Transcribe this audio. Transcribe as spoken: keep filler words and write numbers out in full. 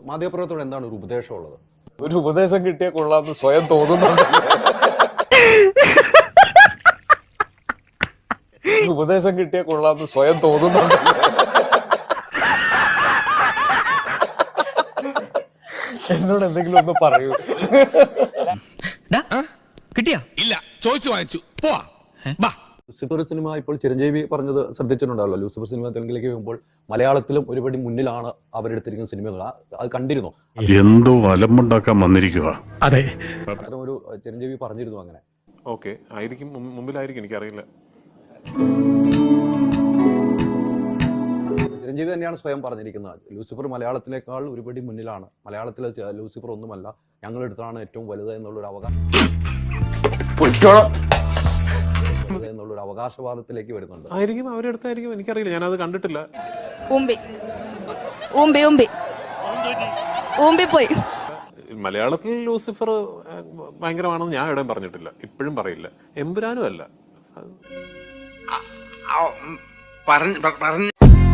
മാധ്യമപ്രവർത്തകരോട് എന്താണ് ഒരു ഉപദേശം ഉള്ളത്? ഒരു ഉപദേശം കിട്ടിയാൽ കൊള്ളാമെന്ന് സ്വയം തോന്നുന്നുണ്ട്. ഉപദേശം കിട്ടിയാൽ കൊള്ളാമെന്ന് സ്വയം തോന്നുന്നുണ്ട്. എന്നോട് എന്തെങ്കിലും ഒന്ന് പറയൂ. കിട്ടിയാ? ഇല്ല, ചോദിച്ചു വാങ്ങിച്ചു. പോവാ. ലൂസിഫർ സിനിമ ഇപ്പോൾ ചിരഞ്ജീവി പറഞ്ഞത് ശ്രദ്ധിച്ചിട്ടുണ്ടാവല്ലോ. ലൂസിഫർ സിനിമ തെലുങ്കിലേക്ക് വരുമ്പോൾ മലയാളത്തിലും ഒരുപടി മുന്നിലാണ് അവരെടുത്തിരിക്കുന്ന സിനിമകൾ. അത് കണ്ടിരുന്നു. എന്തോ അലമ്പുണ്ടാക്കാൻ വന്നിരിക്കുക. അതെ, അത്തരം ഒരു ചിരഞ്ജീവി പറഞ്ഞിരുന്നു അങ്ങനെ. ഓക്കെ, ആയിരിക്കും, മുമ്പിലായിരിക്കും, എനിക്കറിയില്ല. ചിരഞ്ജീവി തന്നെയാണ് സ്വയം പറഞ്ഞിരിക്കുന്നത്. ലൂസിഫർ മലയാളത്തിനേക്കാൾ ഒരുപടി മുന്നിലാണ്. മലയാളത്തിലെ ലൂസിഫർ ഒന്നുമല്ല, ഞങ്ങളെടുത്താണ് ഏറ്റവും വലുത് എന്നുള്ളൊരു അവകാശം എന്നുള്ളൊരു അവകാശവാദത്തിലേക്ക് വരുന്നുണ്ട്. ആയിരിക്കും, അവരെടുത്തായിരിക്കും, എനിക്കറിയില്ല, ഞാനത് കണ്ടിട്ടില്ല. മലയാളത്തിൽ ലൂസിഫർ ഭയങ്കരമാണെന്ന് ഞാൻ എവിടെയും പറഞ്ഞിട്ടില്ല, ഇപ്പോഴും പറയില്ല. എമ്പുരാനും അല്ല.